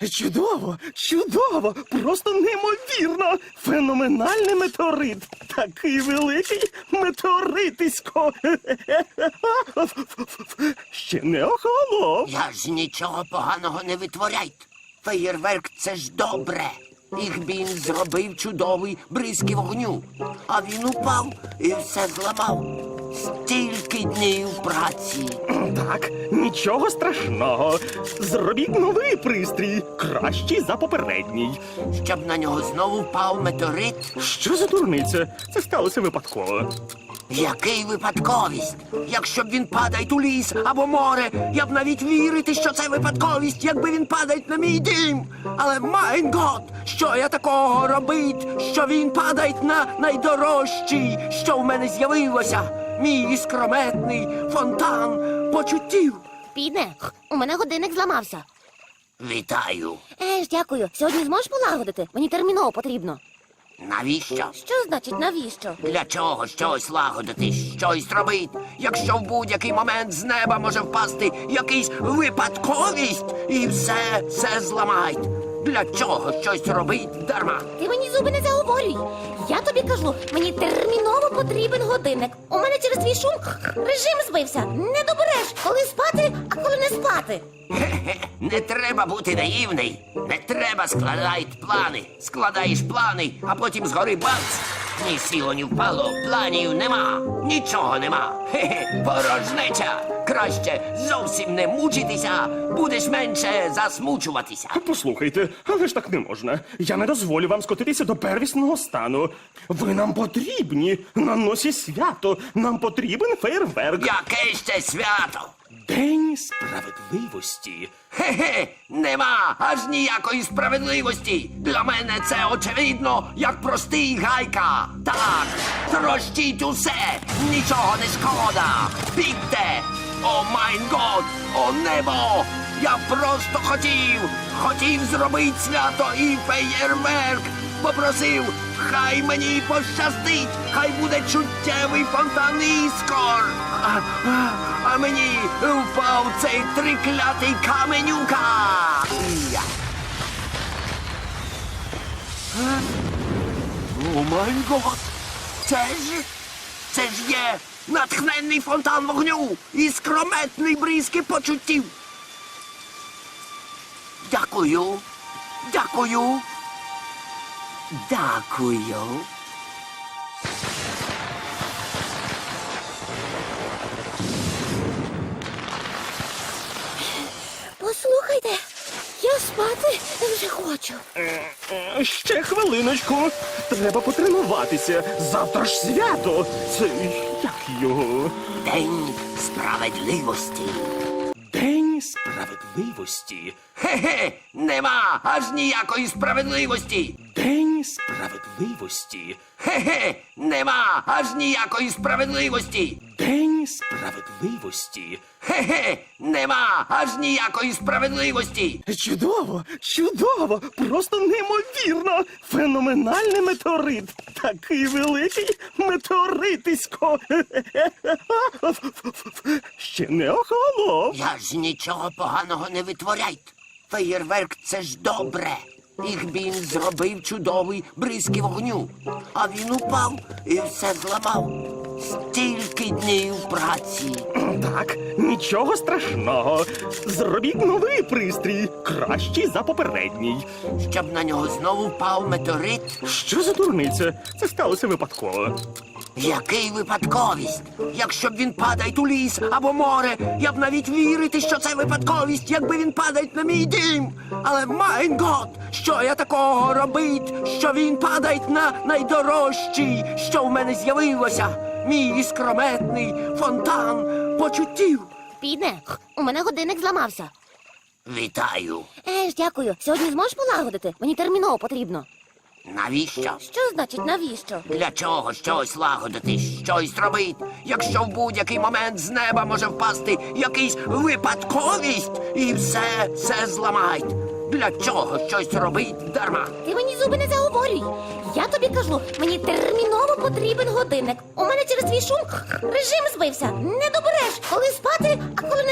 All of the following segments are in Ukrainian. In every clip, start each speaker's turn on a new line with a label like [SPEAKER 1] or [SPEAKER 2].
[SPEAKER 1] Чудово, чудово, просто неймовірно. Феноменальний метеорит. Такий великий метеоритисько. Ще не охолонув.
[SPEAKER 2] Я ж нічого поганого не витворяйте. Феєрверк – це ж добре. Ігбін зробив чудовий бризки вогню. А він упав і все зламав. Стільки днів праці.
[SPEAKER 1] Так, нічого страшного. Зробіть новий пристрій, кращий за попередній.
[SPEAKER 2] Щоб на нього знову впав метеорит.
[SPEAKER 1] Що за дурниця? Це сталося випадково.
[SPEAKER 2] Який випадковість? Якщо б він падає у ліс або море, я б навіть вірити, що це випадковість, якби він падає на мій дім. Але, майн гот, що я такого робить, що він падає на найдорожчий, що в мене з'явилося? Мій іскрометний фонтан почуттів.
[SPEAKER 3] Піде, у мене годинник зламався.
[SPEAKER 2] Вітаю.
[SPEAKER 3] Дякую. Сьогодні зможеш полагодити? Мені терміново потрібно.
[SPEAKER 2] Навіщо?
[SPEAKER 3] Що значить навіщо?
[SPEAKER 2] Для чого щось лагодити, щось робити, якщо в будь-який момент з неба може впасти якийсь випадковість і все зламають? Для чого щось робить дарма?
[SPEAKER 3] Ти мені зуби не заговорюй. Я тобі кажу, мені терміново потрібен годинник. У мене через твій шум режим збився. Не добереш, коли спати, а коли не спати.
[SPEAKER 2] Хе-хе, не треба бути наївний. Не треба складати плани. Складаєш плани, а потім згори бац. Ні сіло, ні впало, планів нема, нічого нема. Хе-хе, порожнеча. Краще зовсім не мучитися, будеш менше засмучуватися.
[SPEAKER 1] Послухайте, але ж так не можна. Я не дозволю вам скотитися до первісного стану. Ви нам потрібні. На носі свято. Нам потрібен фейерверк.
[SPEAKER 2] Яке ще свято?
[SPEAKER 1] День справедливості.
[SPEAKER 2] Хе-хе, нема аж ніякої справедливості. Для мене це очевидно, як простий гайка. Так, трощіть усе, нічого не шкода. Бігте! О майн год, о небо! Я просто хотів зробити свято і феєрверк. Попросив, хай мені пощастить, хай буде чуттєвий фонтан іскор. А мені впав цей триклятий каменюка. Я. О май гот! Це ж є натхненний фонтан вогню і скрометний бризки почуттів. Дякую. Дякую. Дякую.
[SPEAKER 3] Послухайте, я спати вже хочу.
[SPEAKER 1] Ще хвилиночку. Треба потренуватися. Завтра ж свято. Це як його?
[SPEAKER 2] День справедливості.
[SPEAKER 1] День справедливості.
[SPEAKER 2] Хе-хе, нема аж ніякої справедливості.
[SPEAKER 1] День справедливості.
[SPEAKER 2] Хе-хе, нема аж ніякої справедливості.
[SPEAKER 1] День справедливості.
[SPEAKER 2] Хе-хе, нема аж ніякої справедливості.
[SPEAKER 1] Чудово, чудово, просто неймовірно. Феноменальний метеорит. Такий великий метеоритисько. Ще не охолонув.
[SPEAKER 2] Я ж нічого поганого не витворяйте. Феєрверк – це ж добре. Ігбін зробив чудовий бризки вогню. А він упав і все зламав. Стільки днів праці.
[SPEAKER 1] Так, нічого страшного. Зробіть новий пристрій, кращий за попередній.
[SPEAKER 2] Щоб на нього знову впав метеорит.
[SPEAKER 1] Що за дурниця? Це сталося випадково.
[SPEAKER 2] Який випадковість? Якщо б він падає у ліс або море, я б навіть вірити, що це випадковість, якби він падає на мій дім. Але, майн гот, що я такого робить, що він падає на найдорожчий, що в мене з'явилося? Мій іскрометний фонтан почуттів.
[SPEAKER 3] Піде, у мене годинник зламався.
[SPEAKER 2] Вітаю.
[SPEAKER 3] Дякую. Сьогодні зможеш полагодити? Мені терміново потрібно.
[SPEAKER 2] Навіщо?
[SPEAKER 3] Що значить навіщо?
[SPEAKER 2] Для чого щось лагодити, щось робити, якщо в будь-який момент з неба може впасти якийсь випадковість і все зламають? Для чого щось робить дарма?
[SPEAKER 3] Ти мені зуби не заговорюй. Я тобі кажу, мені терміново потрібен годинник. У мене через твій шум режим збився. Не добереш, коли спати, а коли не спати.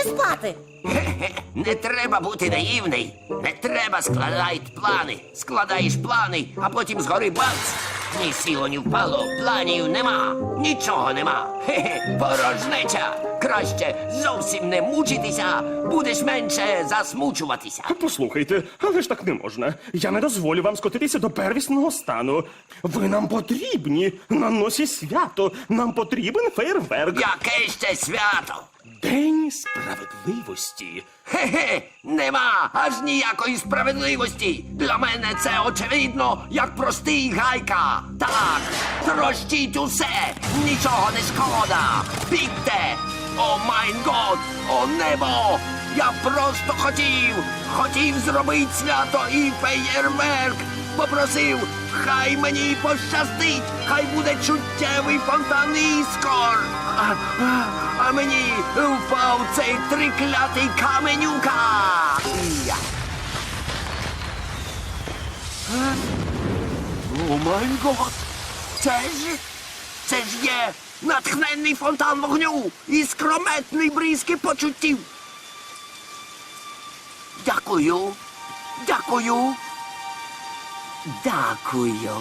[SPEAKER 3] спати.
[SPEAKER 2] Не треба бути наївний. Не треба складати плани. Складаєш плани, а потім згори бац. Ні сіло, ні впало, планів нема, нічого нема. Порожнеча. Краще зовсім не мучитися, будеш менше засмучуватися.
[SPEAKER 1] Послухайте, але ж так не можна. Я не дозволю вам скотитися до первісного стану. Ви нам потрібні на носі свято. Нам потрібен фейерверк.
[SPEAKER 2] Яке ще свято?
[SPEAKER 1] День справедливості.
[SPEAKER 2] Нема аж ніякої справедливості. Для мене це очевидно, як простий гайка. Так, трощіть усе, нічого не шкода. Бігте! О майн год, о небо! Я просто хотів зробити свято і феєрверк. Попросив, хай мені пощастить, хай буде чуттєвий фонтан іскор. А мені впав цей триклятий каменюка. Я. О май гот! Це ж є натхненний фонтан вогню і скрометний бризки почуттів. Дякую. Дякую. Дякую.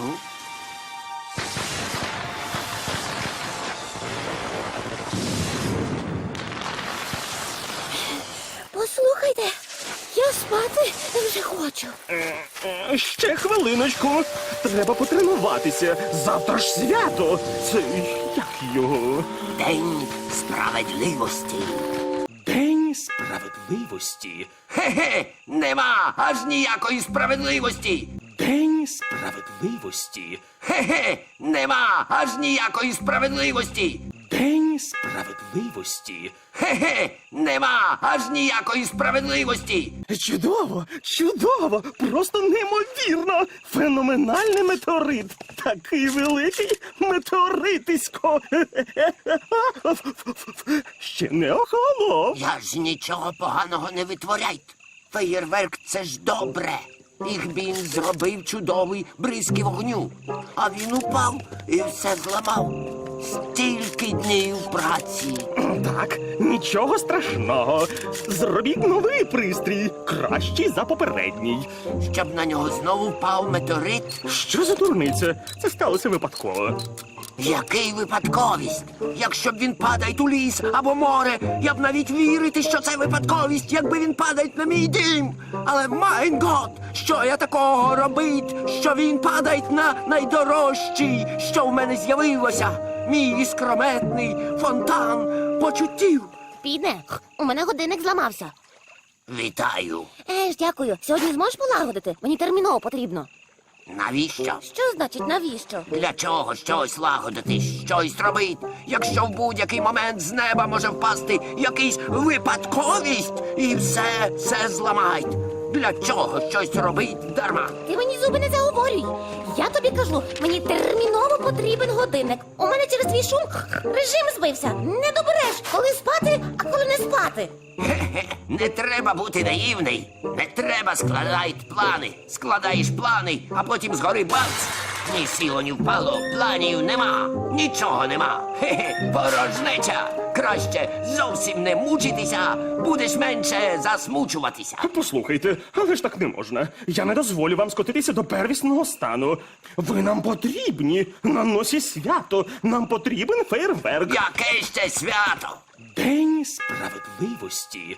[SPEAKER 3] Послухайте, я спати вже хочу.
[SPEAKER 1] Ще хвилиночку. Треба потренуватися. Завтра ж свято. Це як його?
[SPEAKER 2] День справедливості.
[SPEAKER 1] День справедливості.
[SPEAKER 2] Нема аж ніякої справедливості.
[SPEAKER 1] День справедливості.
[SPEAKER 2] Нема аж ніякої справедливості.
[SPEAKER 1] День справедливості.
[SPEAKER 2] Нема аж ніякої справедливості.
[SPEAKER 1] Чудово, чудово, просто неймовірно. Феноменальний метеорит. Такий великий метеоритисько. Ще не охолонув.
[SPEAKER 2] Я ж нічого поганого не витворяйте. Феєрверк — це ж добре. Їх він зробив чудовий бризки вогню. А він упав і все зламав. Стільки днів праці.
[SPEAKER 1] Так, нічого страшного. Зробіть новий пристрій, кращий за попередній.
[SPEAKER 2] Щоб на нього знову впав метеорит.
[SPEAKER 1] Що за дурниця? Це сталося випадково.
[SPEAKER 2] Який випадковість? Якщо б він падає у ліс або море, я б навіть вірити, що це випадковість, якби він падає на мій дім. Але майн гот, що я такого робить, що він падає на найдорожчий, що в мене з'явилося. Мій іскрометний фонтан почуттів.
[SPEAKER 3] Підне, у мене годинник зламався.
[SPEAKER 2] Вітаю.
[SPEAKER 3] Дякую. Сьогодні зможеш полагодити? Мені терміново потрібно.
[SPEAKER 2] Навіщо?
[SPEAKER 3] Що значить навіщо?
[SPEAKER 2] Для чого щось лагодити, щось робити, якщо в будь-який момент з неба може впасти якийсь випадковість і все зламають? Для чого щось робить дарма?
[SPEAKER 3] Ти мені зуби не заговорюй. Я тобі кажу, мені терміново потрібен годинник. У мене через твій шум режим збився. Не добереш, коли спати, а коли не спати.
[SPEAKER 2] Не треба бути наївний. Не треба складати плани. Складаєш плани, а потім згори бац. Ні сіло, ні впало, планів нема, нічого нема. Порожнеча. Краще зовсім не мучитися, будеш менше засмучуватися.
[SPEAKER 1] Послухайте, але ж так не можна. Я не дозволю вам скотитися до первісного стану. Ви нам потрібні на носі свято. Нам потрібен фейерверк.
[SPEAKER 2] Яке ще свято?
[SPEAKER 1] День справедливості.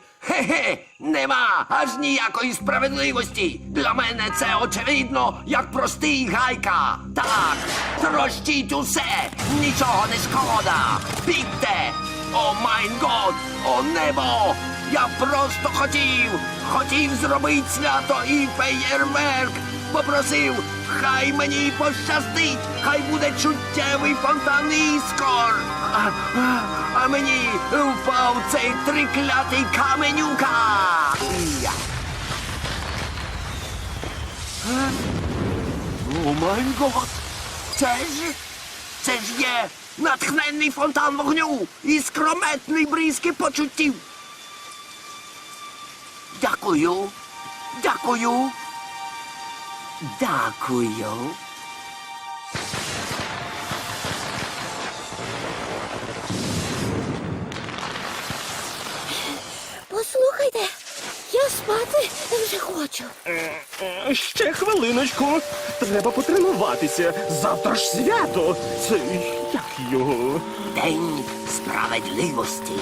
[SPEAKER 2] Нема аж ніякої справедливості. Для мене це очевидно, як простий гайка. Так, трощіть усе, нічого не шкода. Бігте! О майн год, о небо! Я просто хотів зробити свято і феєрверк. Попросив, хай мені пощастить, хай буде чуттєвий фонтан іскор. А мені впав цей триклятий каменюка. Я. О май гот! Це ж є натхненний фонтан вогню і скрометний бризки почуттів. Дякую. Дякую. Дякую.
[SPEAKER 3] Слухайте, я спати вже хочу.
[SPEAKER 1] Ще хвилиночку. Треба потренуватися. Завтра ж свято. Це як його?
[SPEAKER 2] День справедливості.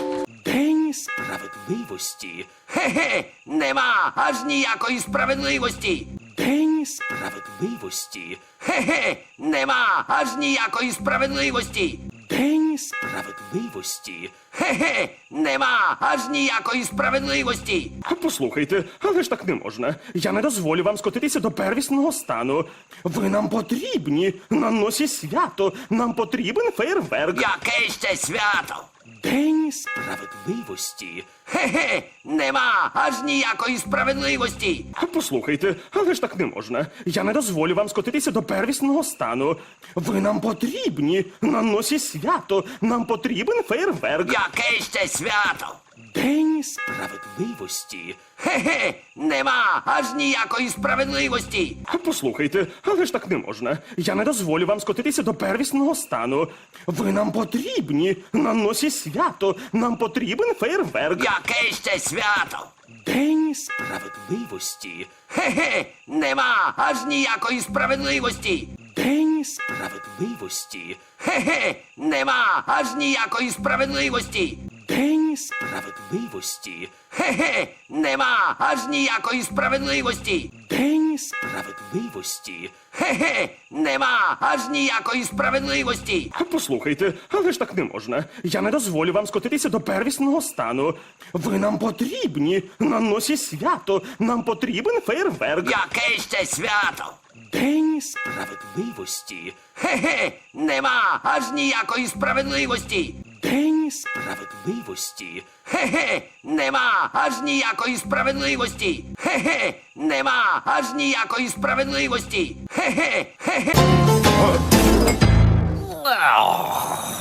[SPEAKER 1] День справедливості.
[SPEAKER 2] Хе-хе, нема аж ніякої справедливості.
[SPEAKER 1] День справедливості.
[SPEAKER 2] Хе-хе, нема аж ніякої справедливості.
[SPEAKER 1] День справедливості.
[SPEAKER 2] Хе-хе, нема аж ніякої справедливості.
[SPEAKER 1] Послухайте, але ж так не можна. Я не дозволю вам скотитися до первісного стану. Ви нам потрібні. На носі свято. Нам потрібен фейерверк.
[SPEAKER 2] Яке ще свято?
[SPEAKER 1] День справедливості.
[SPEAKER 2] Хе-хе, нема аж ніякої справедливості.
[SPEAKER 1] Послухайте, але ж так не можна. Я не дозволю вам скотитися до первісного стану. Ви нам потрібні. На носі свято. Нам потрібен фейерверк.
[SPEAKER 2] Яке ще свято?
[SPEAKER 1] День справедливості.
[SPEAKER 2] Хе-хе, нема аж ніякої справедливості.
[SPEAKER 1] Послухайте, але ж так не можна. Я не дозволю вам скотитися до первісного стану. Ви нам потрібні. На носі свято. Нам потрібен фейерверк.
[SPEAKER 2] Яке ще свято?
[SPEAKER 1] День справедливості.
[SPEAKER 2] Хе-хе, нема аж ніякої справедливості.
[SPEAKER 1] День справедливості.
[SPEAKER 2] Хе-хе, нема аж ніякої справедливості.
[SPEAKER 1] День справедливості.
[SPEAKER 2] Хе-хе, нема аж ніякої справедливості.
[SPEAKER 1] День справедливості.
[SPEAKER 2] Хе-хе, нема аж ніякої справедливості.
[SPEAKER 1] Послухайте, але ж так не можна. Я не дозволю вам скотитися до первісного стану. Ви нам потрібні. На носі свято. Нам потрібен фейерверк.
[SPEAKER 2] Яке ще свято?
[SPEAKER 1] День справедливості.
[SPEAKER 2] Хе-хе, нема аж ніякої справедливості.
[SPEAKER 1] День справедливості.
[SPEAKER 2] Хе-хе, нема аж ніякої справедливості. Хе-хе, нема аж ніякої справедливості. Хе-хе, хе-хе.